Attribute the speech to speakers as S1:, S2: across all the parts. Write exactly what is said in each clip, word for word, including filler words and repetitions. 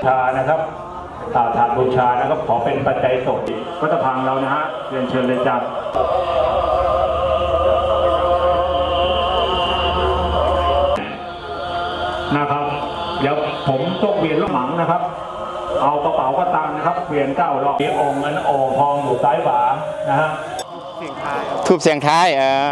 S1: ชานะครับถาดบูชานะครับขอเป็นปัจจัยสดวัดพังเรานะฮะเรียนเชิญเลยจ้ะนะครับเดี๋ยวผมต้องเวียนลูกหมังนะครับเอากระเป๋ากระตังนะครับเวียนเก้ารอบมีองค์เงินโอ่งทองอยู่ซ้ายขวานะฮะ
S2: ทูบเสียงท้ายเออ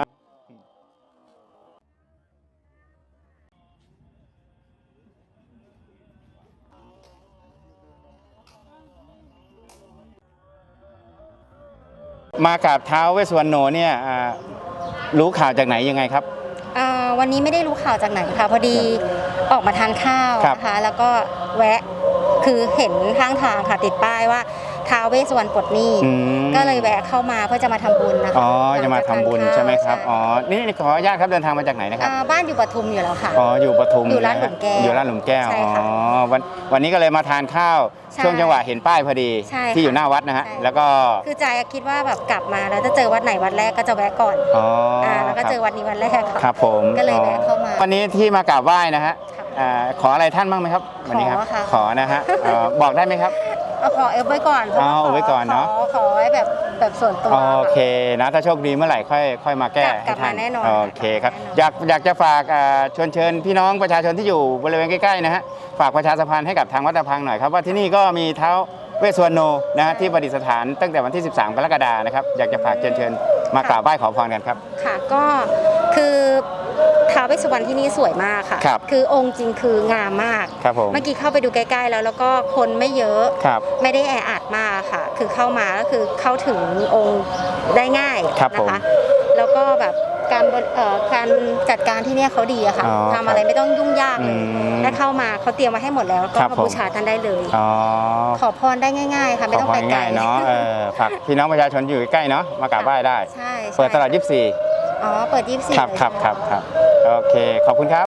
S2: มากับท้าวเวสสุวรรณโนเนี่ยรู้ข่าวจากไหนยังไงครับ
S3: วันนี้ไม่ได้รู้ข่าวจากไหนค่ะพอดีออกมาทานข้าวนะคะแล้วก็แวะคือเห็นข้างทางค่ะติดป้ายว่าท้าวเวสสุวรรณปลดหนี้ก็เลยแวะเข้ามาเพื่อจะมาทำบุญนะคะ
S2: อ๋อจะมาทำบุญใช่ไหมครับอ๋อนี่ขออนุญาตครับเดินทางมาจากไหนนะครับ
S3: บ้านอยู่ปทุมอยู่แล้วค่ะ
S2: อ๋ออยู่ปทุม
S3: อยู่ร้านหลุมแก้ว
S2: อยู่ร้านหลุมแก้วอ๋อวันวันนี้ก็เลยมาทานข้าวช่วงจังหวะเห็นป้ายพอดีที่อยู่หน้าวัดนะฮะแล้วก็
S3: คือใจคิดว่าแบบกลับมาแล้วจะเจอวัดไหนวัดแรกก็จะแวะก่อนอ๋อแล้วก็เจอวัดนี้วันแรก
S2: ครับผม
S3: ก็เลยแวะเข้ามา
S2: วันนี้ที่มากราบไหว้นะฮะขออะไรท่านบ้างไหมครับวันนี้ครับขอนะฮะบอกได้ไหมครับ
S3: ขอเอฟไว้ก่อน
S2: เอาไว้ก่อนเนาะ
S3: ขอไว้แบบแบบส่วนตัว
S2: โอเคนะถ้าโชคดีเมื่อไหร่ค่อยค่อยมาแก้
S3: ให้ท่านแน่นอน
S2: โอเคครับอยากอยากจะฝากชวนเชิญพี่น้องประชาชนที่อยู่บริเวณใกล้ๆนะฮะฝากประชาสัมพันธ์ให้กับทางวัดตะพังหน่อยครับว่าที่นี่ก็มีท้าวเวสสุวรรณโนนะฮะที่ประดิษฐานตั้งแต่วันที่สิบสามกรกฎาคมนะครับอยากจะฝากเชิญเชิญมากราบไหว้ขอพรกันครับ
S3: ค่ะก็คือท้าวเวสสุวรรณที่นี่สวยมากค่ะ
S2: ครับ
S3: คือองค์จริงคืองามมาก
S2: ครับผม
S3: เมื่อกี้เข้าไปดูใกล้ๆแล้วแล้วก็คนไม่เยอะ
S2: ครับ
S3: ไม่ได้แออัดมากค่ะคือเข้ามาก็คือเข้าถึงองค์ได้ง่ายนะคะแล้วก็แบบการการจัดการที่นี่เขาดีอะค่ะทำอะไรไม่ต้องยุ่งยากเลยถ้าเข้ามาเขาเตรียมมาให้หมดแล้วก็มาบูชาท่านได้เลยขอพรได้ง่ายๆค่ะไม่ต้องไปไกล
S2: เนาะฝากพี่น้องประชาชนอยู่ใกล้เนาะมากราบไหว้ได้เปิดตลอดยี่สิบสี่
S3: อ๋อเปิดยี่สิบสี่
S2: ครับครับครับครับโอเคขอบคุณครับ